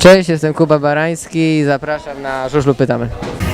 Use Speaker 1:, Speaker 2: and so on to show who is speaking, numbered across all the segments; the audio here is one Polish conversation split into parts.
Speaker 1: Cześć, jestem Kuba Barański i zapraszam na Żużlu Pytamy.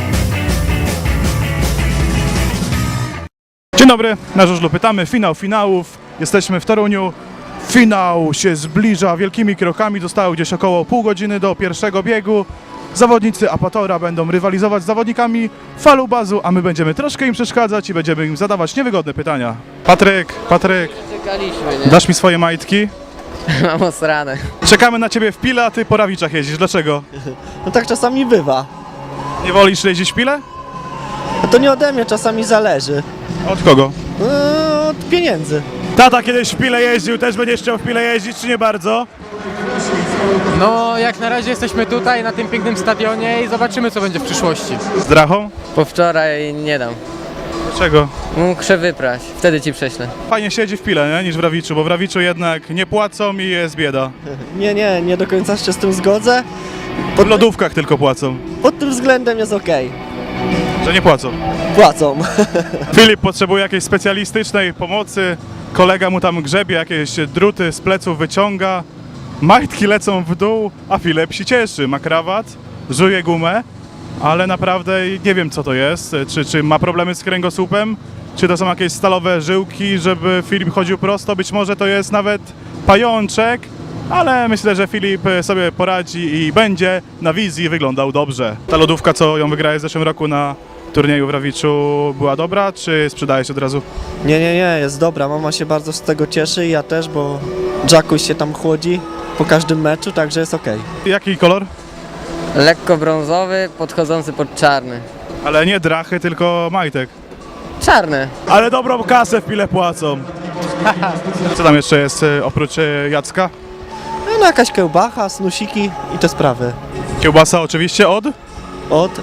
Speaker 2: Dzień dobry, na Żużlu Pytamy, finał finałów, jesteśmy w Toruniu, finał się zbliża wielkimi krokami, zostało gdzieś około pół godziny do pierwszego biegu. Zawodnicy Apatora będą rywalizować z zawodnikami Falubazu, a my będziemy troszkę im przeszkadzać i będziemy im zadawać niewygodne pytania. Patryk,
Speaker 1: Czekaliśmy, nie?
Speaker 2: dasz mi swoje majtki?
Speaker 1: Mam osrane.
Speaker 2: Czekamy na ciebie w Pile, a ty po Rawiczach jeździsz, dlaczego?
Speaker 3: No tak czasami bywa.
Speaker 2: Nie wolisz jeździć w Pile?
Speaker 3: No to nie ode mnie, czasami zależy.
Speaker 2: Od kogo?
Speaker 3: Od pieniędzy.
Speaker 2: Tata kiedyś w Pile jeździł, też będziesz chciał w Pile jeździć, czy nie bardzo?
Speaker 4: No, jak na razie jesteśmy tutaj na tym pięknym stadionie i zobaczymy, co będzie w przyszłości.
Speaker 2: Z Drachą?
Speaker 1: Po wczoraj nie dam.
Speaker 2: Dlaczego?
Speaker 1: Muszę wyprać, wtedy ci prześlę.
Speaker 2: Fajnie siedzi w Pile, nie? Niż w Rawiczu, bo w Rawiczu jednak nie płacą i jest bieda.
Speaker 3: Nie do końca się z tym zgodzę.
Speaker 2: W lodówkach tylko płacą,
Speaker 3: Pod tym względem jest okej.
Speaker 2: że nie płacą.
Speaker 3: Płacą.
Speaker 2: Filip potrzebuje jakiejś specjalistycznej pomocy, kolega mu tam grzebie, jakieś druty z pleców wyciąga, majtki lecą w dół, a Filip się cieszy, ma krawat, żuje gumę, ale naprawdę nie wiem co to jest, czy ma problemy z kręgosłupem, czy to są jakieś stalowe żyłki, żeby Filip chodził prosto, być może to jest nawet pajączek, ale myślę, że Filip sobie poradzi i będzie na wizji wyglądał dobrze. Ta lodówka, co ją wygrałeś w zeszłym roku na turnieju w Rawiczu, była dobra, czy sprzedałeś od razu?
Speaker 3: Nie, jest dobra. Mama się bardzo z tego cieszy i ja też, bo Jackuś się tam chłodzi po każdym meczu, także jest okej.
Speaker 2: Jaki kolor?
Speaker 1: Lekko brązowy, podchodzący pod czarny.
Speaker 2: Ale nie drachy, tylko majtek.
Speaker 1: Czarny.
Speaker 2: Ale dobrą kasę w Pile płacą. Co tam jeszcze jest oprócz Jacka?
Speaker 3: No jakaś kiełbacha, snusiki i te sprawy.
Speaker 2: Kiełbasa oczywiście od?
Speaker 3: Od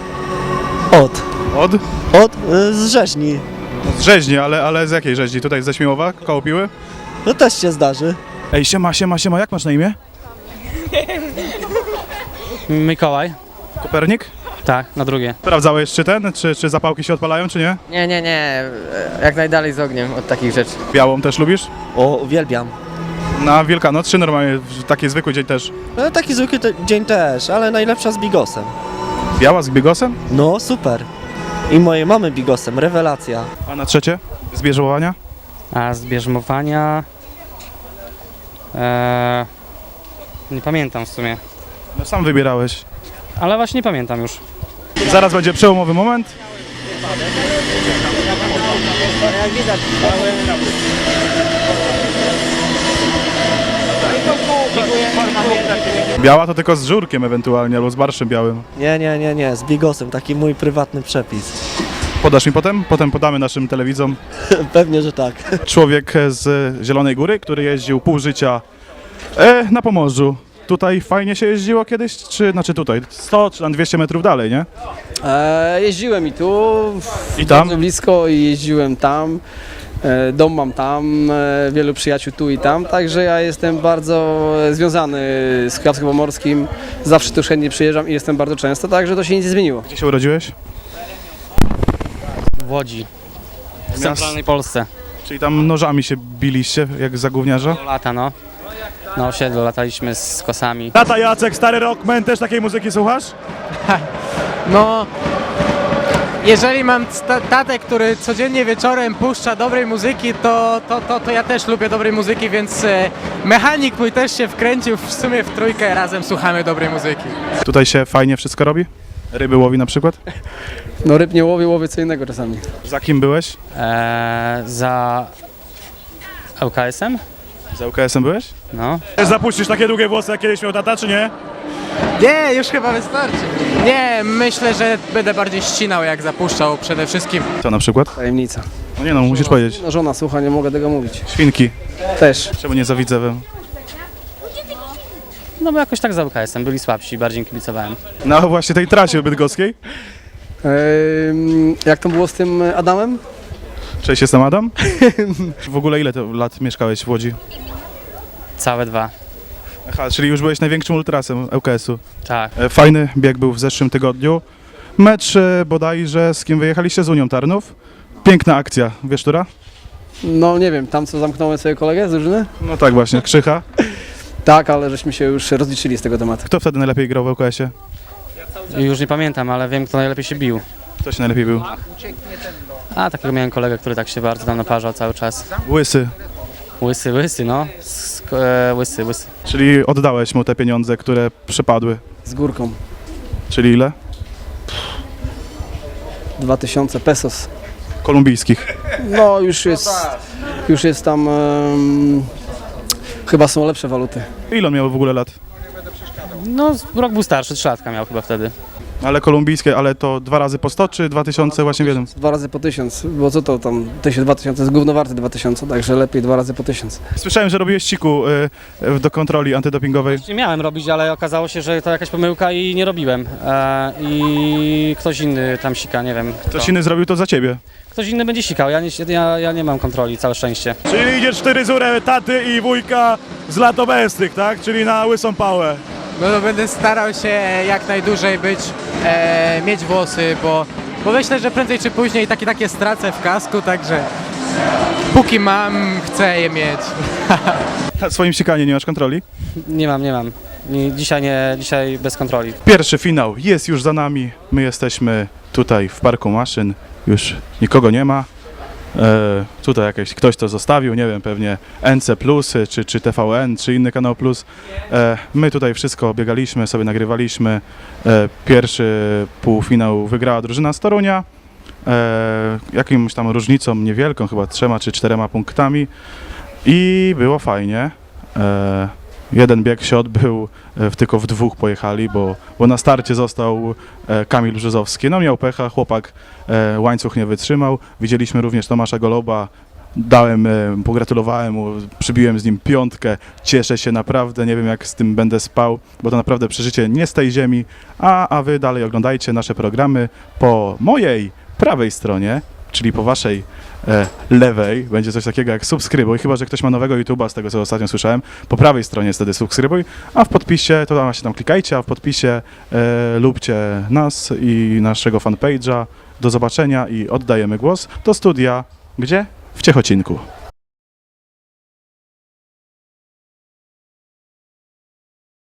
Speaker 3: z rzeźni.
Speaker 2: Z rzeźni, ale z jakiej rzeźni? Tutaj ze Śmiłowa, koło Piły?
Speaker 3: No też się zdarzy.
Speaker 2: Ej, siema, jak masz na imię?
Speaker 4: Mikołaj?
Speaker 2: Kopernik?
Speaker 4: Tak, na drugie.
Speaker 2: Sprawdzałeś czy zapałki się odpalają, czy nie?
Speaker 1: Nie. Jak najdalej z ogniem od takich rzeczy.
Speaker 2: Białą też lubisz?
Speaker 3: O, uwielbiam.
Speaker 2: Na Wielkanoc, czy normalnie w taki zwykły dzień też?
Speaker 3: No taki zwykły dzień też, ale najlepsza z bigosem.
Speaker 2: Biała z bigosem?
Speaker 3: No super. I mojej mamy bigosem, rewelacja.
Speaker 2: A na trzecie? Z bierzmowania?
Speaker 5: A z bierzmowania... nie pamiętam w sumie,
Speaker 2: No sam wybierałeś.
Speaker 5: ale właśnie nie pamiętam już.
Speaker 2: Zaraz będzie przełomowy moment. Biała to tylko z żurkiem ewentualnie, albo z barszczem białym.
Speaker 3: Nie, z bigosem, taki mój prywatny przepis.
Speaker 2: Podasz mi potem? Potem podamy naszym telewidzom.
Speaker 3: Pewnie, że tak.
Speaker 2: Człowiek z Zielonej Góry, który jeździł pół życia na Pomorzu. Tutaj fajnie się jeździło kiedyś, znaczy tutaj, 100 czy tam 200 metrów dalej, nie?
Speaker 6: Jeździłem i tu,
Speaker 2: I tam?
Speaker 6: bardzo blisko i jeździłem tam. Dom mam tam, wielu przyjaciół tu i tam, także ja jestem bardzo związany z Kujawsko-Pomorskim. Zawsze tu chętnie przyjeżdżam i jestem bardzo często, także to się nic nie zmieniło.
Speaker 2: Gdzie się urodziłeś?
Speaker 5: W Łodzi, w centralnej Polsce.
Speaker 2: Czyli tam nożami się biliście, jak za gówniarza?
Speaker 5: Do lata, no. Na osiedlu lataliśmy z kosami.
Speaker 2: Tata Jacek, stary rockman, też takiej muzyki słuchasz?
Speaker 4: No, jeżeli mam tatę, który codziennie wieczorem puszcza dobrej muzyki, to ja też lubię dobrej muzyki, więc mechanik mój też się wkręcił, w sumie w trójkę razem słuchamy dobrej muzyki.
Speaker 2: Tutaj się fajnie wszystko robi? Ryby łowi na przykład?
Speaker 6: No ryb nie łowię co innego czasami.
Speaker 2: Za kim byłeś?
Speaker 5: Za ŁKS-em?
Speaker 2: Za UKS-em byłeś?
Speaker 5: No.
Speaker 2: Też zapuścisz takie długie włosy, jak kiedyś miał tata, czy nie?
Speaker 4: Nie, już chyba wystarczy. Nie, myślę, że będę bardziej ścinał jak zapuszczał przede wszystkim.
Speaker 2: Co na przykład?
Speaker 6: Tajemnica.
Speaker 2: No nie no, musisz powiedzieć.
Speaker 6: No żona słucha, nie mogę tego mówić.
Speaker 2: Świnki.
Speaker 6: Też.
Speaker 2: Czemu nie za Widzewem?
Speaker 5: No bo jakoś tak za ŁKS-em, byli słabsi, bardziej im kibicowałem.
Speaker 2: No właśnie tej trasie bydgoskiej.
Speaker 6: Jak to było z tym Adamem?
Speaker 2: Cześć, jestem Adam. W ogóle ile to lat mieszkałeś w Łodzi?
Speaker 5: Całe 2.
Speaker 2: Aha, czyli już byłeś największym ultrasem ŁKS-u.
Speaker 5: Tak.
Speaker 2: Fajny bieg był w zeszłym tygodniu. Mecz bodajże z kim wyjechaliście? Z Unią Tarnów. Piękna akcja, wiesz, która?
Speaker 6: No nie wiem, tam co zamknąłem sobie kolegę z drużyny?
Speaker 2: No tak właśnie, Krzycha.
Speaker 6: Tak, ale żeśmy się już rozliczyli z tego tematu.
Speaker 2: Kto wtedy najlepiej grał w ŁKS-ie?
Speaker 5: Już nie pamiętam, ale wiem, kto najlepiej się bił.
Speaker 2: Kto się najlepiej był?
Speaker 5: A takiego miałem kolegę, który tak się bardzo tam naparzał cały czas.
Speaker 2: Łysy.
Speaker 5: Łysy, no. Łysy.
Speaker 2: Czyli oddałeś mu te pieniądze, które przepadły.
Speaker 6: Z górką.
Speaker 2: Czyli ile?
Speaker 6: 2000 pesos.
Speaker 2: Kolumbijskich.
Speaker 6: No już jest tam, chyba są lepsze waluty.
Speaker 2: Ile on miał w ogóle lat?
Speaker 5: No, rok był starszy, 3 latka miał chyba wtedy.
Speaker 2: Ale kolumbijskie, ale to 2 razy po 100 czy 2000 właśnie w jednym?
Speaker 6: 2 razy po 1000, bo co to tam, 2000 jest gówno warte 2000, także lepiej 2 razy po 1000.
Speaker 2: Słyszałem, że robiłeś siku do kontroli antydopingowej.
Speaker 5: Nie miałem robić, ale okazało się, że to jakaś pomyłka i nie robiłem. I ktoś inny tam sika, nie wiem. Kto.
Speaker 2: Ktoś inny zrobił to za ciebie.
Speaker 5: Ktoś inny będzie sikał, ja nie mam kontroli, całe szczęście.
Speaker 2: Czyli idziesz 4 zurę taty i wujka z lat obecnych, tak? Czyli na łysą pałę.
Speaker 4: No to będę starał się jak najdłużej mieć włosy, bo myślę, że prędzej czy później takie stracę w kasku, także póki mam, chcę je mieć.
Speaker 2: Na swoim sikanie nie masz kontroli?
Speaker 5: Nie mam. Dzisiaj bez kontroli.
Speaker 2: Pierwszy finał jest już za nami. My jesteśmy tutaj w Parku Maszyn. Już nikogo nie ma. Tutaj ktoś to zostawił, nie wiem, pewnie NC Plus, czy TVN, czy inny kanał Plus. My tutaj wszystko biegaliśmy, sobie nagrywaliśmy. Pierwszy półfinał wygrała drużyna z Torunia. Jakimś tam różnicą niewielką, chyba 3 czy 4 punktami. I było fajnie. Jeden bieg się odbył, tylko w 2 pojechali, bo na starcie został Kamil Brzozowski. No miał pecha, chłopak łańcuch nie wytrzymał. Widzieliśmy również Tomasza Goloba, pogratulowałem mu, przybiłem z nim 5, cieszę się naprawdę, nie wiem jak z tym będę spał, bo to naprawdę przeżycie nie z tej ziemi, a wy dalej oglądajcie nasze programy po mojej prawej stronie, czyli po waszej lewej, będzie coś takiego jak subskrybuj, chyba że ktoś ma nowego YouTube'a, z tego co ostatnio słyszałem, po prawej stronie jest wtedy subskrybuj, a w podpisie, to właśnie tam klikajcie, a w podpisie lubcie nas i naszego fanpage'a. Do zobaczenia i oddajemy głos do studia, gdzie? W Ciechocinku.